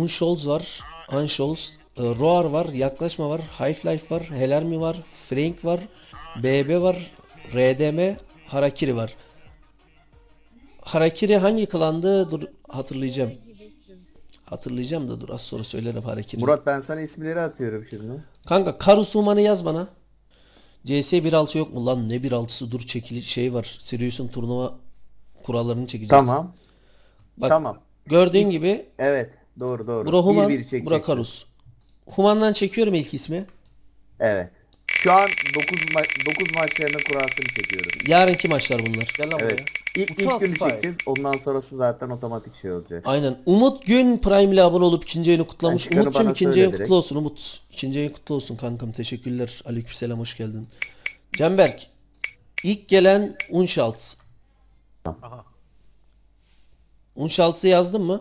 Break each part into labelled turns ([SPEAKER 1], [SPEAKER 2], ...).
[SPEAKER 1] Unsholz var. Unsholz. Roar var. Yaklaşma var. Half-Life var. Helermi var. Frank var. BB var. RDM. Harakiri var. Harakiri hangi klandı? Dur hatırlayacağım. Hatırlayacağım da dur az sonra söylerim Harakiri.
[SPEAKER 2] Murat ben sana isimleri atıyorum şimdi.
[SPEAKER 1] Kanka Karusuman'ı yaz bana. CS 1.6 yok mu lan? Ne 1.6'sı? Dur çekili şey var. Sirius'un turnuva kurallarını çekeceğiz.
[SPEAKER 2] Tamam.
[SPEAKER 1] Bak
[SPEAKER 2] Tamam.
[SPEAKER 1] gördüğün gibi
[SPEAKER 2] Evet. Doğru doğru.
[SPEAKER 1] bura Human,
[SPEAKER 2] 1-1
[SPEAKER 1] bura
[SPEAKER 2] çekeceksin.
[SPEAKER 1] Karus. Human'dan çekiyorum ilk ismi.
[SPEAKER 2] Evet. Şu an 9 maçlarının kurasını çekiyorum.
[SPEAKER 1] Yarınki maçlar bunlar.
[SPEAKER 3] Gel lan
[SPEAKER 2] Evet.
[SPEAKER 3] buraya.
[SPEAKER 2] İlk
[SPEAKER 3] Uçan
[SPEAKER 2] günü
[SPEAKER 3] Spy.
[SPEAKER 2] çekeceğiz. Ondan sonrası zaten otomatik şey olacak.
[SPEAKER 1] Aynen. Umut Gün Prime ile abone olup ikinci ayını kutlamış.
[SPEAKER 2] çıkanı
[SPEAKER 1] Umut'cum
[SPEAKER 2] bana
[SPEAKER 1] ikinci
[SPEAKER 2] söyle
[SPEAKER 1] ayın
[SPEAKER 2] direkt.
[SPEAKER 1] kutlu olsun Umut. İkinci ayın kutlu olsun kankam. Teşekkürler. Aleykümselam hoş geldin. Canberk. İlk gelen Unschaltz.
[SPEAKER 3] Aha.
[SPEAKER 1] Unschaltz'ı yazdın mı?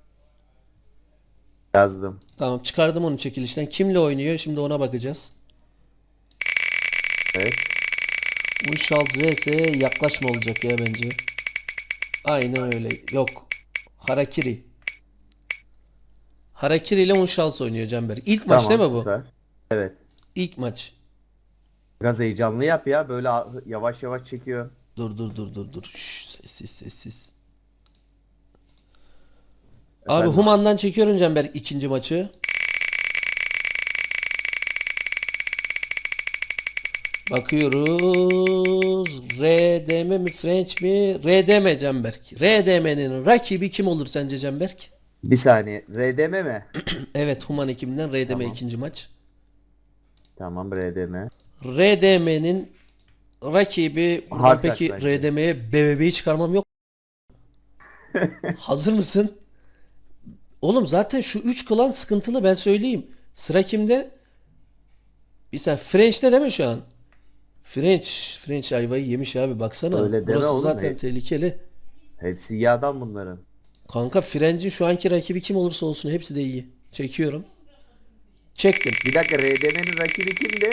[SPEAKER 2] Yazdım.
[SPEAKER 1] Tamam çıkardım onu çekilişten. Kimle oynuyor? Şimdi ona bakacağız.
[SPEAKER 2] Evet.
[SPEAKER 1] Unschaltz vs yaklaşma olacak ya bence. Aynen öyle. Yok. Harakiri. Harakiri ile Unschaltz oynuyor Canberk. İlk maç
[SPEAKER 2] Tamam,
[SPEAKER 1] değil mi bu?
[SPEAKER 2] süper. Evet.
[SPEAKER 1] İlk maç.
[SPEAKER 2] Biraz heyecanlı yap ya. Böyle yavaş yavaş çekiyor.
[SPEAKER 1] Dur. Şşş, sessiz. Abi
[SPEAKER 2] Efendim?
[SPEAKER 1] Human'dan çekiyorum Canberk ikinci maçı. Bakıyoruz. RDM mi French mi? RDM Canberk. RDM'nin rakibi kim olur sence Canberk?
[SPEAKER 2] Bir saniye. RDM mi?
[SPEAKER 1] Evet Human ekibinden RDM
[SPEAKER 2] Tamam.
[SPEAKER 1] ikinci maç.
[SPEAKER 2] Tamam RDM.
[SPEAKER 1] RDM'nin rakibi buradan
[SPEAKER 2] Hard
[SPEAKER 1] peki
[SPEAKER 2] Attack.
[SPEAKER 1] RDM'ye BBB'yi çıkarmam yok. Hazır mısın? Oğlum zaten şu 3 klan sıkıntılı ben söyleyeyim. Sıra kimde? Bir sen French'te değil mi şu an? French ayvayı yemiş abi baksana.
[SPEAKER 2] Öyle deme
[SPEAKER 1] Burası
[SPEAKER 2] oğlum,
[SPEAKER 1] zaten tehlikeli.
[SPEAKER 2] Hepsi iyi adam bunların.
[SPEAKER 1] Kanka French'in şu anki rakibi kim olursa olsun hepsi de iyi. Çekiyorum. Çektim.
[SPEAKER 2] Bir dakika RDM'nin rakibi kimdi?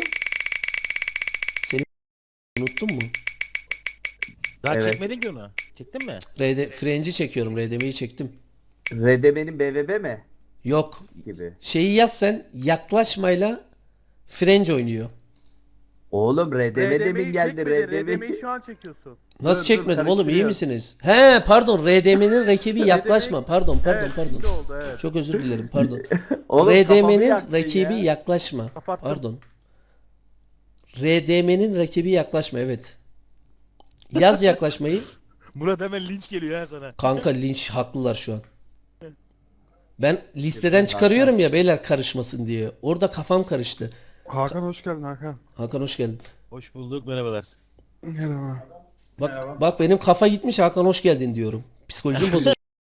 [SPEAKER 1] Unuttun mu?
[SPEAKER 3] Daha
[SPEAKER 2] Evet.
[SPEAKER 3] çekmedin ki onu. Çektin mi?
[SPEAKER 1] French'i çekiyorum. RDM'yi çektim.
[SPEAKER 2] RDM'nin BVB mi?
[SPEAKER 1] Yok.
[SPEAKER 2] Gibi.
[SPEAKER 1] Şeyi yaz sen yaklaşmayla French oynuyor.
[SPEAKER 2] Oğlum RDM demin geldi.
[SPEAKER 4] RDM'yi şu an çekiyorsun.
[SPEAKER 1] Nasıl
[SPEAKER 2] Dur,
[SPEAKER 1] çekmedim oğlum iyi
[SPEAKER 4] karıştırıyor.
[SPEAKER 1] misiniz? He pardon RDM'nin rakibi yaklaşma. Pardon.
[SPEAKER 4] Evet, şimdi oldu evet.
[SPEAKER 1] Çok özür dilerim pardon.
[SPEAKER 2] Oğlum kafamı
[SPEAKER 1] RDM'nin
[SPEAKER 2] yaktın
[SPEAKER 1] rakibi
[SPEAKER 2] ya.
[SPEAKER 1] yaklaşma.
[SPEAKER 4] Kapattım.
[SPEAKER 1] Pardon. RDM'nin rakibi yaklaşma evet. Yaz yaklaşmayı.
[SPEAKER 3] Murat hemen linç geliyor ha sana.
[SPEAKER 1] Kanka linç haklılar şu an. Ben listeden çıkarıyorum ya beyler karışmasın diye. Orada kafam karıştı.
[SPEAKER 5] Hakan hoş geldin Hakan.
[SPEAKER 1] Hakan hoş geldin.
[SPEAKER 3] Hoş bulduk merhabalar.
[SPEAKER 5] Merhaba.
[SPEAKER 1] Bak benim kafa gitmiş Hakan hoş geldin diyorum. Psikolojim bozuldu.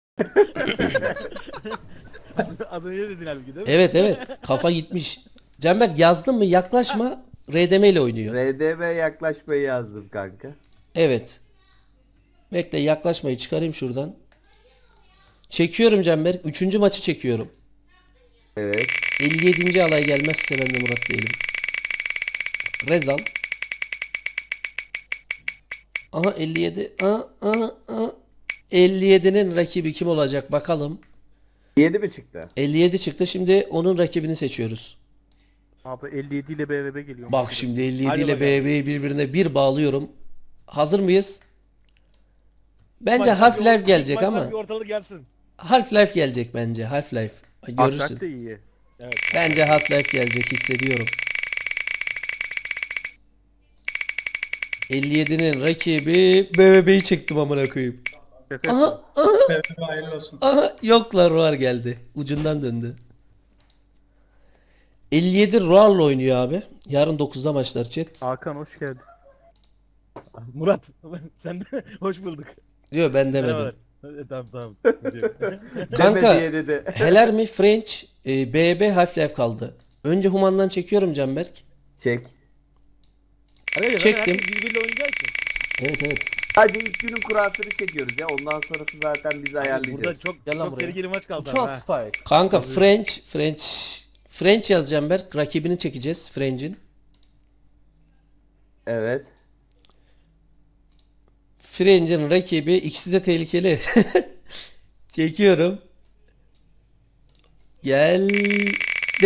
[SPEAKER 3] Az önce dedin halbuki değil mi?
[SPEAKER 1] Evet kafa gitmiş. Canberk yazdın mı yaklaşma RDM ile oynuyor.
[SPEAKER 2] RDM yaklaşmayı yazdım kanka.
[SPEAKER 1] Evet. Bekle yaklaşmayı çıkarayım şuradan. Çekiyorum Canberk. Üçüncü maçı çekiyorum.
[SPEAKER 2] Evet.
[SPEAKER 1] 57. alay gelmezse ben de Murat değilim. Rezal. Aha 57. 57'nin rakibi kim olacak bakalım.
[SPEAKER 2] 7 mi çıktı?
[SPEAKER 1] 57 çıktı. Şimdi onun rakibini seçiyoruz.
[SPEAKER 4] Abi 57 ile BVB geliyor.
[SPEAKER 1] Bak şimdi 57
[SPEAKER 3] Hadi
[SPEAKER 1] ile
[SPEAKER 3] bakalım.
[SPEAKER 1] BB'yi birbirine bir bağlıyorum. Hazır mıyız? Bence
[SPEAKER 3] Maçtan bir
[SPEAKER 1] Half-Life
[SPEAKER 3] or-
[SPEAKER 1] gelecek
[SPEAKER 3] maçtan
[SPEAKER 1] ama.
[SPEAKER 3] bir ortalık gelsin.
[SPEAKER 1] Half-Life gelecek bence. Half-Life. Görürsün.
[SPEAKER 4] Atak da iyi.
[SPEAKER 3] Evet.
[SPEAKER 1] Bence Half-Life gelecek hissediyorum. 57'nin rakibi BBB'yi çektim amına koyayım.
[SPEAKER 4] Şaka
[SPEAKER 1] Aha aha yoklar Roar geldi. Ucundan döndü. 57 Roar'la oynuyor abi. Yarın 9'da maçlar chat.
[SPEAKER 4] Hakan hoş geldin.
[SPEAKER 3] Murat sen de hoş bulduk.
[SPEAKER 1] Diyor ben demedim.
[SPEAKER 3] Merhabalar. Tamam. Sıkıntı yok.
[SPEAKER 1] Kanka
[SPEAKER 2] Deme diye dedi.
[SPEAKER 1] Heler mi French BB Half-Life kaldı. Önce Human'dan çekiyorum Canberk.
[SPEAKER 2] Çek.
[SPEAKER 3] Arkadaşlar,
[SPEAKER 1] Çektim.
[SPEAKER 3] herkes birbiriyle oynayacağı için.
[SPEAKER 1] Evet.
[SPEAKER 2] Sadece ilk günün kurasını çekiyoruz ya. Ondan sonrası zaten biz
[SPEAKER 3] Burada
[SPEAKER 2] ayarlayacağız.
[SPEAKER 3] çok
[SPEAKER 1] Gel lan
[SPEAKER 3] çok
[SPEAKER 1] buraya.
[SPEAKER 3] tehlikeli maç kaldı.
[SPEAKER 5] Uçan
[SPEAKER 3] ama ha.
[SPEAKER 5] Spike.
[SPEAKER 1] Kanka French yazacağım Berk. Rakibini çekeceğiz French'in.
[SPEAKER 2] Evet.
[SPEAKER 1] French'in rakibi ikisi de tehlikeli. Çekiyorum. Geldi.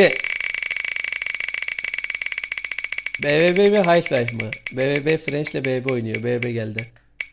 [SPEAKER 1] BBB mi Half-Life mı? BBB French ile BB oynuyor. BB geldi.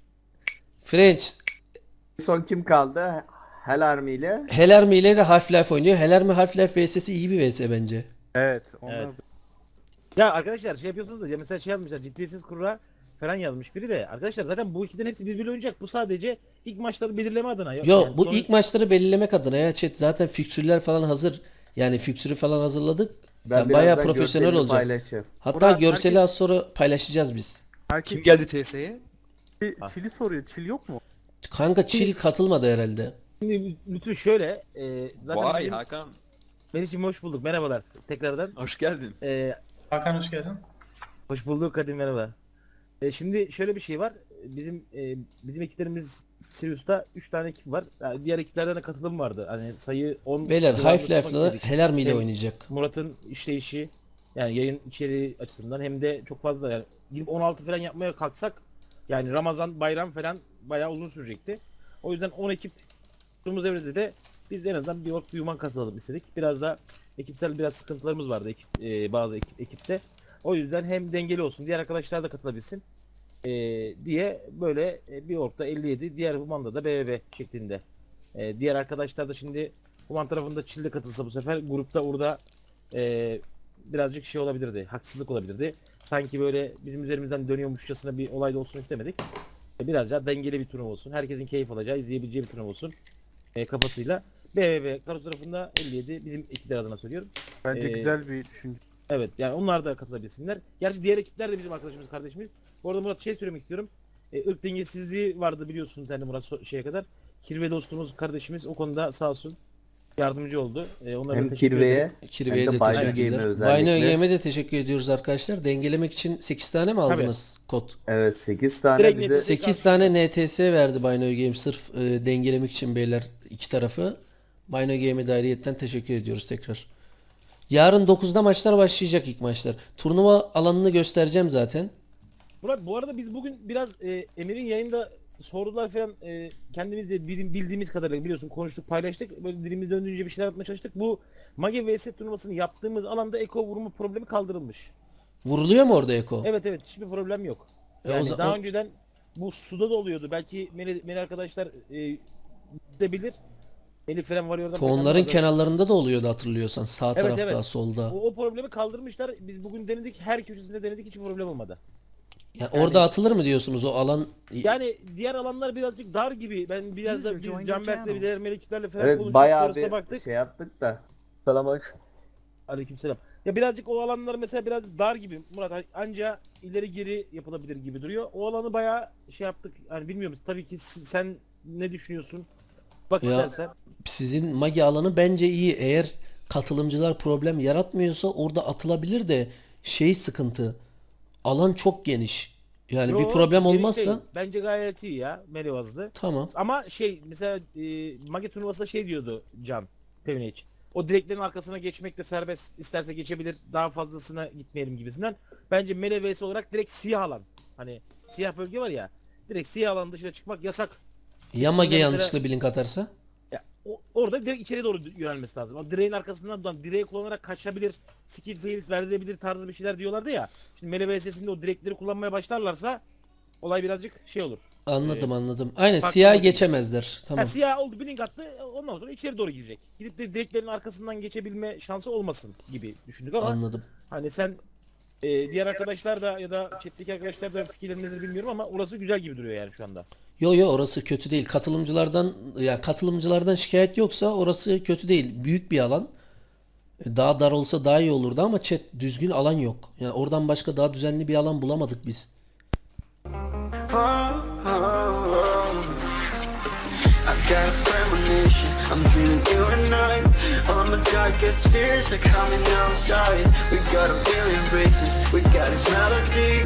[SPEAKER 1] French
[SPEAKER 2] Son kim kaldı? Hell Army ile.
[SPEAKER 1] Hell Army ile de Half-Life oynuyor. Hell Army Half-Life vs'si iyi bir vs bence.
[SPEAKER 4] Evet. Onlar
[SPEAKER 3] Evet. Ya arkadaşlar şey yapıyorsunuz da ya mesela şey yazmışlar ciddiyetsiz kurra falan yazmış biri de. Arkadaşlar zaten bu ikiden hepsi birbiriyle oynayacak. Bu sadece ilk maçları belirleme adına.
[SPEAKER 1] Yo
[SPEAKER 3] Yani
[SPEAKER 1] bu
[SPEAKER 3] sonra-
[SPEAKER 1] ilk maçları belirlemek adına ya chat zaten fiksürler falan hazır. Yani fiksürü falan hazırladık. Yani bayağı
[SPEAKER 2] birazdan
[SPEAKER 1] profesyonel
[SPEAKER 2] görselini
[SPEAKER 1] olacak.
[SPEAKER 2] paylaşacağım.
[SPEAKER 1] Hatta
[SPEAKER 4] Burak,
[SPEAKER 1] görseli
[SPEAKER 4] herkes-
[SPEAKER 1] az sonra paylaşacağız biz.
[SPEAKER 4] herkes
[SPEAKER 5] Kim geldi TS'ye?
[SPEAKER 4] Çili soruyor. Çil yok mu?
[SPEAKER 1] Kanka Chill katılmadı herhalde.
[SPEAKER 3] Şimdi bütün şöyle zaten
[SPEAKER 6] Vay
[SPEAKER 3] bizim,
[SPEAKER 6] Hakan,
[SPEAKER 3] Melih'ciğim hoş bulduk. Merhabalar tekrardan.
[SPEAKER 6] hoş geldin.
[SPEAKER 7] Hakan hoş geldin.
[SPEAKER 3] Hoş bulduk Kadim merhaba. Şimdi şöyle bir şey var. Bizim ekiplerimiz Sirius'ta 3 tane ekip var. Yani diğer ekiplerden de katılım vardı. Hani sayı 10
[SPEAKER 1] Beyler
[SPEAKER 3] civarında tutmak
[SPEAKER 1] Half-Life'la
[SPEAKER 3] istedik.
[SPEAKER 1] Hell Army ile
[SPEAKER 3] Hem-
[SPEAKER 1] oynayacak.
[SPEAKER 3] Murat'ın işleyişi yani yayın içeriği açısından hem de çok fazla yani gidip 16 falan yapmaya kalksak yani Ramazan, bayram falan bayağı uzun sürecekti. O yüzden 10 ekip tuttuğumuz evrede de biz en azından bir ork bir human katılalım istedik. Biraz da ekipsel biraz sıkıntılarımız vardı bazı ekipte. O yüzden hem dengeli olsun diğer arkadaşlar da katılabilsin diye böyle bir orkta 57 diğer humanda da BBB şeklinde. Diğer arkadaşlar da şimdi human tarafında Çil'de katılsa bu sefer grupta orada birazcık şey olabilirdi. Haksızlık olabilirdi. Sanki böyle bizim üzerimizden dönüyormuşçasına bir olay da olsun istemedik. Biraz daha dengeli bir turnuva olsun. Herkesin keyif alacağı, izleyebileceği bir turnuva olsun. Kafasıyla. BBB Karos tarafında 57 bizim ekipler adına söylüyorum.
[SPEAKER 4] Bence
[SPEAKER 3] Ee,
[SPEAKER 4] güzel bir düşünce.
[SPEAKER 3] Evet yani onlar da katılabilsinler. Gerçi diğer ekipler de bizim arkadaşımız, kardeşimiz. Bu arada Murat şey söylemek istiyorum. Irk dengesizliği vardı biliyorsun sen de Murat şeye kadar. Kirve dostumuz, kardeşimiz o konuda sağ olsun yardımcı oldu. Onlara
[SPEAKER 2] Hem
[SPEAKER 3] da teşekkür
[SPEAKER 2] Kirve'ye
[SPEAKER 3] ederim.
[SPEAKER 1] Kirve'ye
[SPEAKER 2] hem
[SPEAKER 1] de
[SPEAKER 2] de Bino
[SPEAKER 1] teşekkürler.
[SPEAKER 2] Game'e
[SPEAKER 1] Bino
[SPEAKER 2] özellikle.
[SPEAKER 1] Game'e de teşekkür ediyoruz arkadaşlar. Dengelemek için 8 tane mi aldınız kod?
[SPEAKER 2] Evet 8 tane
[SPEAKER 3] Direkt
[SPEAKER 2] bize
[SPEAKER 3] netice-
[SPEAKER 1] 8 tane NTS verdi Bino Game sırf dengelemek için beyler iki tarafı. Bino Game'e de ayrıyetten teşekkür ediyoruz tekrar. Yarın 9'da maçlar başlayacak ilk maçlar. Turnuva alanını göstereceğim zaten.
[SPEAKER 3] Murat bu arada biz bugün biraz Emir'in yayında sordular falan kendimiz de bildiğimiz kadarıyla biliyorsun konuştuk paylaştık. Böyle dilimiz döndüğünce bir şeyler yapmaya çalıştık. Bu Mage vs turnuvasını yaptığımız alanda eko vurma problemi kaldırılmış.
[SPEAKER 1] Vuruluyor mu orada Eko?
[SPEAKER 3] Evet evet hiçbir problem yok.
[SPEAKER 1] E, o
[SPEAKER 3] Yani
[SPEAKER 1] za-
[SPEAKER 3] daha
[SPEAKER 1] o-
[SPEAKER 3] önceden bu suda da oluyordu. Belki Meli arkadaşlar de bilir. Meli falan var oradan.
[SPEAKER 1] Tonların kenarlarında da oluyordu hatırlıyorsan. Sağ
[SPEAKER 3] Evet,
[SPEAKER 1] tarafta,
[SPEAKER 3] evet.
[SPEAKER 1] solda.
[SPEAKER 3] O problemi kaldırmışlar. Biz bugün denedik. Her köşesinde denedik. Hiç problem olmadı.
[SPEAKER 1] Yani orada atılır mı diyorsunuz o alan?
[SPEAKER 3] Yani diğer alanlar birazcık dar gibi. Ben biraz da
[SPEAKER 7] User
[SPEAKER 3] biz
[SPEAKER 7] joined your
[SPEAKER 3] Canberk'le
[SPEAKER 7] channel.
[SPEAKER 3] bir diğer meleklerle falan
[SPEAKER 2] evet
[SPEAKER 3] konuştuk.
[SPEAKER 2] bayağı
[SPEAKER 3] Sonrasına
[SPEAKER 2] bir
[SPEAKER 3] baktık.
[SPEAKER 2] şey yaptık da. Selamünaleyküm.
[SPEAKER 3] Aleykümselam. Ya birazcık o alanlar mesela biraz dar gibi. Murat anca ileri geri yapılabilir gibi duruyor. O alanı bayağı şey yaptık. Yani bilmiyorum. Tabii ki sen ne düşünüyorsun? Bak
[SPEAKER 1] Ya,
[SPEAKER 3] istersen.
[SPEAKER 1] Sizin magi alanı bence iyi. Eğer katılımcılar problem yaratmıyorsa orada atılabilir de şey sıkıntı. Alan çok geniş. Yani
[SPEAKER 3] Yo,
[SPEAKER 1] bir problem
[SPEAKER 3] geniş
[SPEAKER 1] olmazsa
[SPEAKER 3] değil. Bence gayet iyi ya. Melivazlı.
[SPEAKER 1] tamam.
[SPEAKER 3] Ama şey mesela Mage turnuvasında şey diyordu Can Pevniç. O direklerin arkasına geçmek de serbest, isterse geçebilir, daha fazlasına gitmeyelim gibisinden. Bence Mele vs olarak direkt siyah alan. Hani siyah bölge var ya. Direkt siyah alan dışına çıkmak yasak.
[SPEAKER 1] Ya magi
[SPEAKER 3] mesela-
[SPEAKER 1] yanlışlıkla blink atarsa?
[SPEAKER 3] Ya, orada direkt içeri doğru yönelmesi lazım. O direğin arkasından direği kullanarak kaçabilir, skill fail verilebilir tarzı bir şeyler diyorlardı ya. Şimdi Mele vs'sinde o direkleri kullanmaya başlarlarsa olay birazcık şey olur.
[SPEAKER 1] Anladım anladım. Aynen
[SPEAKER 3] farklı
[SPEAKER 1] siyah
[SPEAKER 3] oldu.
[SPEAKER 1] geçemezler. Tamam.
[SPEAKER 3] Ha, siyah oldu blink attı ondan sonra içeri doğru girecek. Gidip de direklerin arkasından geçebilme şansı olmasın gibi düşündük ama
[SPEAKER 1] Anladım.
[SPEAKER 3] hani sen diğer arkadaşlar da ya da chat'teki arkadaşlar da fikirleri nedir bilmiyorum ama orası güzel gibi duruyor yani şu anda.
[SPEAKER 1] Yo yo orası kötü değil. Katılımcılardan şikayet yoksa orası kötü değil. Büyük bir alan. Daha dar olsa daha iyi olurdu ama chat düzgün alan yok. Yani oradan başka daha düzenli bir alan bulamadık biz.
[SPEAKER 8] I've got a premonition, I'm dreaming you and I. All my darkest fears are coming outside. We got a billion races, we got this melody.